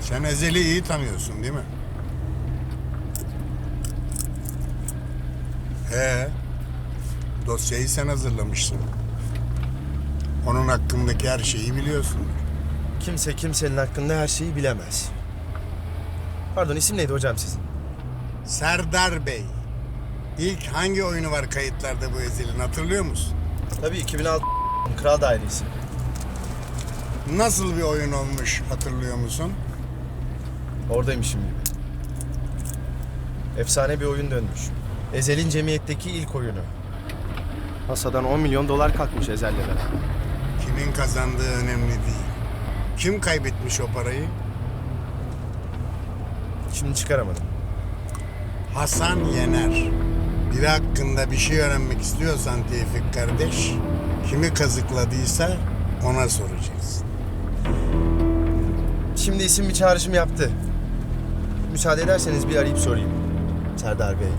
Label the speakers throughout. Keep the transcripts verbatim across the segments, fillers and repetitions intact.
Speaker 1: Sen Ezel'i iyi tanıyorsun değil mi? He. Dosyayı sen hazırlamışsın. Onun hakkındaki her şeyi biliyorsun.
Speaker 2: Kimse kimsenin hakkında her şeyi bilemez. Pardon, isim neydi hocam sizin?
Speaker 1: Serdar Bey. İlk hangi oyunu var kayıtlarda bu Ezel'in, hatırlıyor musun?
Speaker 2: Tabii iki bin altı Kral Dairesi.
Speaker 1: Nasıl bir oyun olmuş, hatırlıyor musun?
Speaker 2: Oradaymışım gibi. Efsane bir oyun dönmüş. Ezel'in cemiyetteki ilk oyunu. Masadan on milyon dolar kalkmış Ezel'le beraber.
Speaker 1: Kimin kazandığı önemli değil. Kim kaybetmiş o parayı?
Speaker 2: Şimdi çıkaramadım.
Speaker 1: Hasan Yener. Biri hakkında bir şey öğrenmek istiyorsan Tevfik kardeş, kimi kazıkladıysa ona soracaksın.
Speaker 2: Şimdi isim bir çağrışım yaptı. Müsaade ederseniz bir arayıp sorayım. Serdar Bey.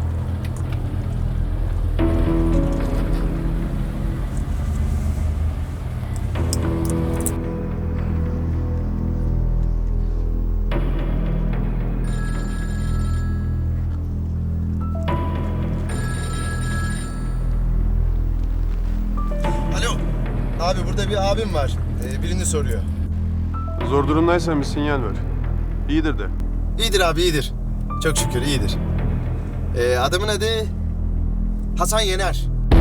Speaker 2: Alo. Abi burada bir abim var. Ee, birini soruyor.
Speaker 3: Zor durumdaysan bir sinyal ver. İyidir de.
Speaker 2: İyidir abi, iyidir. Çok şükür iyidir. Ee, adamın adı Hasan Yener.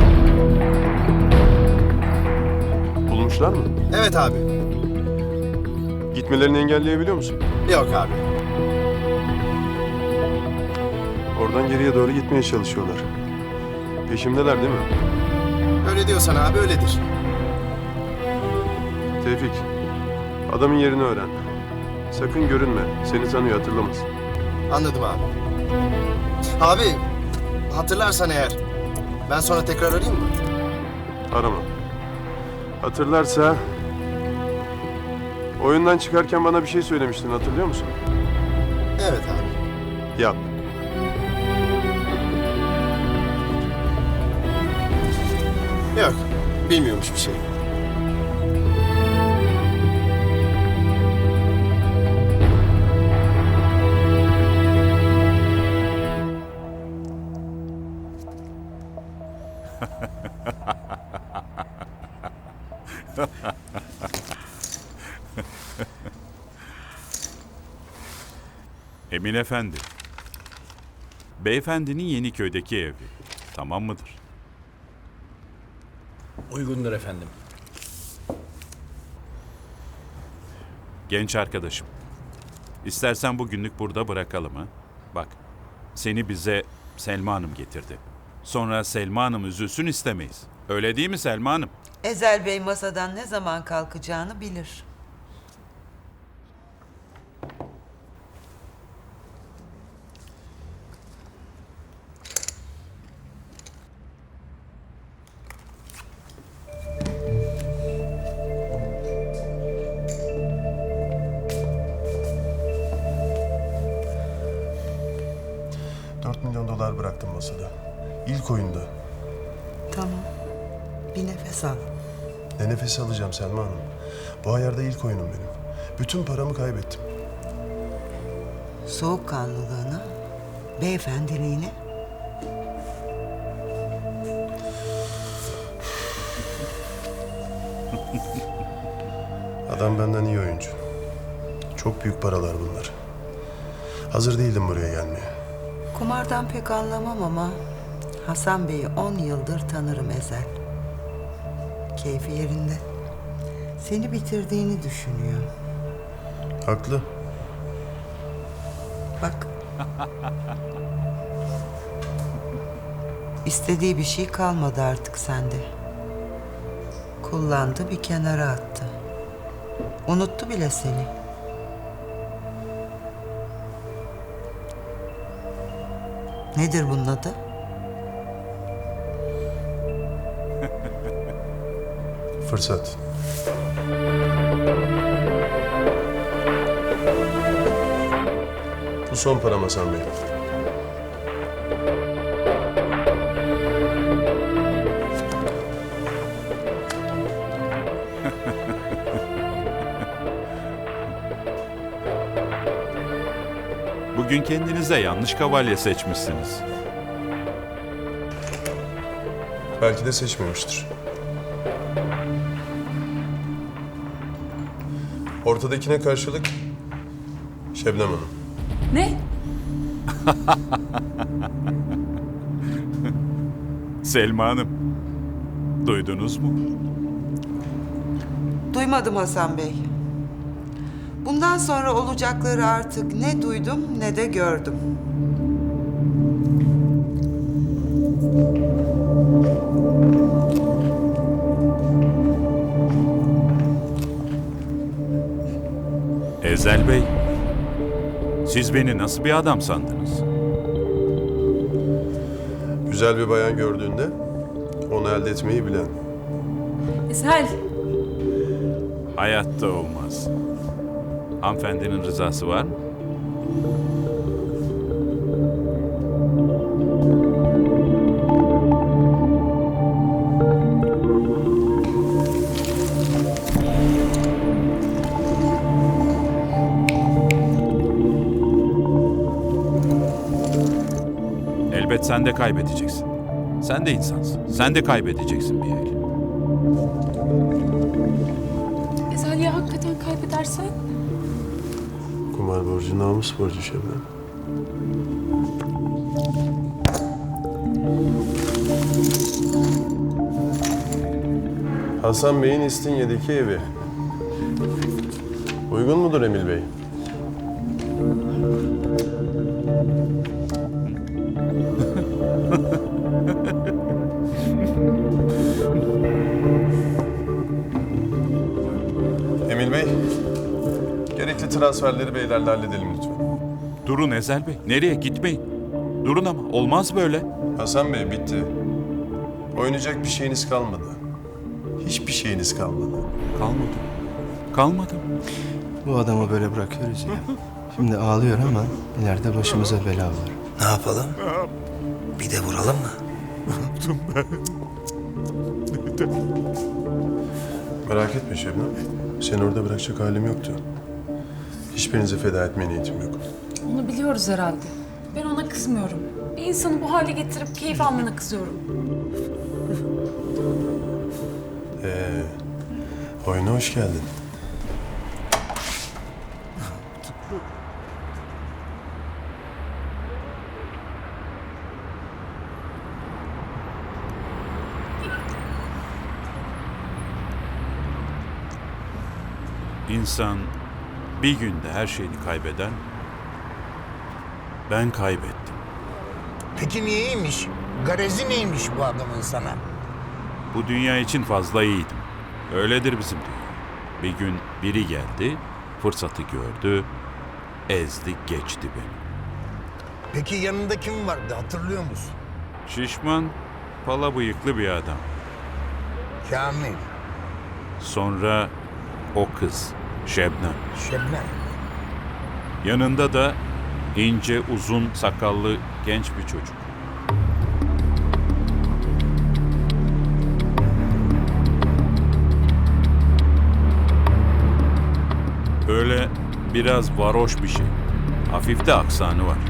Speaker 3: Bulmuşlar mı?
Speaker 2: Evet abi.
Speaker 3: Gitmelerini engelleyebiliyor musun?
Speaker 2: Yok abi.
Speaker 3: Oradan geriye doğru gitmeye çalışıyorlar. Peşimdeler değil mi?
Speaker 2: Öyle diyorsan abi öyledir.
Speaker 3: Tevfik, adamın yerini öğren. Sakın görünme. Seni tanıyor, hatırlamaz.
Speaker 2: Anladım abi. Abi hatırlarsan eğer ben sonra tekrar arayayım mı?
Speaker 3: Arama. Hatırlarsa... Oyundan çıkarken bana bir şey söylemiştin, hatırlıyor musun?
Speaker 2: Evet abi.
Speaker 3: Yap.
Speaker 2: Yok, bilmiyormuş bir şey.
Speaker 4: Emin Efendi. Beyefendinin Yeniköy'deki evi. Tamam mıdır?
Speaker 5: Uygundur efendim.
Speaker 4: Genç arkadaşım. İstersen bugünlük burada bırakalım ha. Bak, seni bize Selma Hanım getirdi. Sonra Selma Hanım üzülsün istemeyiz. Öyle değil mi Selma Hanım?
Speaker 6: Ezel Bey masadan ne zaman kalkacağını bilir.
Speaker 7: Dört milyon dolar bıraktım masada. İlk oyunda.
Speaker 6: Tamam. Bir nefes al.
Speaker 7: Ne nefes alacağım Selma Hanım. Bu ayarda ilk oyunum benim. Bütün paramı kaybettim.
Speaker 6: Soğukkanlılığına, beyefendiliğine.
Speaker 7: Adam benden iyi oyuncu. Çok büyük paralar bunlar. Hazır değildim buraya gelmeye.
Speaker 6: Kumardan pek anlamam ama Hasan Bey'i on yıldır tanırım Ezel. Keyfi yerinde. Seni bitirdiğini düşünüyor.
Speaker 7: Haklı.
Speaker 6: Bak. İstediği bir şey kalmadı artık sende. Kullandı, bir kenara attı. Unuttu bile seni. Nedir bunun adı?
Speaker 7: Fırsat. Bu son param Hasan Bey.
Speaker 4: Bugün kendinize yanlış kavalye seçmişsiniz.
Speaker 3: Belki de seçmemiştir. Ortadakine karşılık Şebnem Hanım.
Speaker 5: Ne?
Speaker 4: Selma Hanım, duydunuz mu?
Speaker 6: Duymadım Hasan Bey. Bundan sonra olacakları artık ne duydum ne de gördüm.
Speaker 4: Ezel Bey, siz beni nasıl bir adam sandınız?
Speaker 3: Güzel bir bayan gördüğünde onu elde etmeyi bilen.
Speaker 5: Ezel.
Speaker 4: Hayatta olmaz. Hanımefendinin rızası var mı? Elbet sen de kaybedeceksin. Sen de insansın. Sen de kaybedeceksin bir el.
Speaker 5: Ezel ya hakikaten kaybedersen?
Speaker 3: Kumar borcu, namus borcu Şebnem. Hasan Bey'in İstinye'deki evi. Uygun mudur Emil Bey? Emil Bey, gerekli transferleri beylerle halledelim lütfen.
Speaker 4: Durun Ezel Bey. Nereye? Gitmeyin. Durun ama. Olmaz böyle.
Speaker 3: Hasan Bey bitti. Oynayacak bir şeyiniz kalmadı. Hiçbir şeyiniz kalmadı.
Speaker 4: Kalmadım. Kalmadım.
Speaker 2: Bu adamı böyle bırakıyoruz ya. Şimdi ağlıyor ama ileride başımıza bela var.
Speaker 8: Ne yapalım? Bir de vuralım mı?
Speaker 3: Merak etme Şebnem. Seni orada bırakacak halim yoktu. Hiçbirinizi feda etmeye niyetim yok.
Speaker 5: Onu biliyoruz herhalde. Ben ona kızmıyorum. Bir insanı bu hale getirip keyif almana kızıyorum.
Speaker 3: Ee, oyuna hoş geldin.
Speaker 4: İnsan bir günde her şeyini kaybeder mi? Ben kaybettim.
Speaker 1: Peki niyeymiş? Garezi neymiş bu adamın sana?
Speaker 4: Bu dünya için fazla iyiydim. Öyledir bizim dünya. Bir gün biri geldi, fırsatı gördü, ezdi geçti beni.
Speaker 1: Peki yanında kim vardı hatırlıyor musun?
Speaker 4: Şişman, pala bıyıklı bir adam.
Speaker 1: Kamil,
Speaker 4: Sonra o kız, Şebnem.
Speaker 1: Şebnem.
Speaker 4: Yanında da ince, uzun, sakallı genç bir çocuk. Böyle biraz varoş bir şey. Hafif de aksanı var.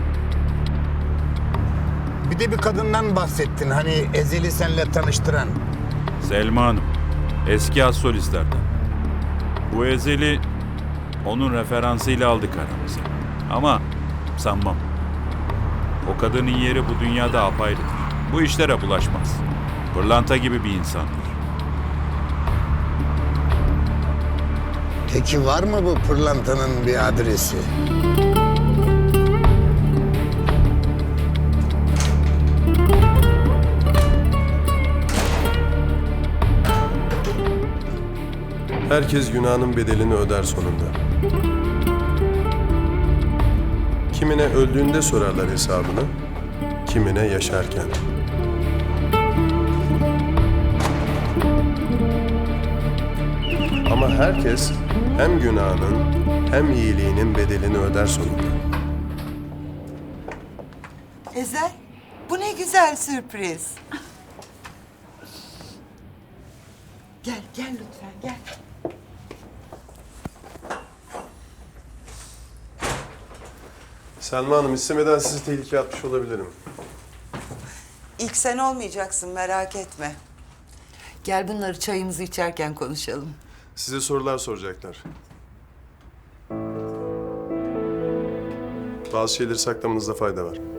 Speaker 1: Bir de bir kadından bahsettin hani Ezel'i seninle tanıştıran.
Speaker 4: Selma Hanım, eski az solistlerden. Bu Ezel'i onun referansıyla aldık aramıza. Ama sanmam. O kadının yeri bu dünyada apayrıdır. Bu işlere bulaşmaz. Pırlanta gibi bir insandır.
Speaker 1: Peki var mı bu pırlantanın bir adresi?
Speaker 3: Herkes günahının bedelini öder sonunda. Kimine öldüğünde sorarlar hesabını, kimine yaşarken. Ama herkes hem günahının hem iyiliğinin bedelini öder sonunda.
Speaker 6: Ezel, bu ne güzel sürpriz. Gel, gel lütfen, gel.
Speaker 3: Selma Hanım, istemeden sizi tehlikeye atmış olabilirim.
Speaker 6: İlk sen olmayacaksın, merak etme. Gel bunları çayımızı içerken konuşalım.
Speaker 3: Size sorular soracaklar. Bazı şeyleri saklamanızda fayda var.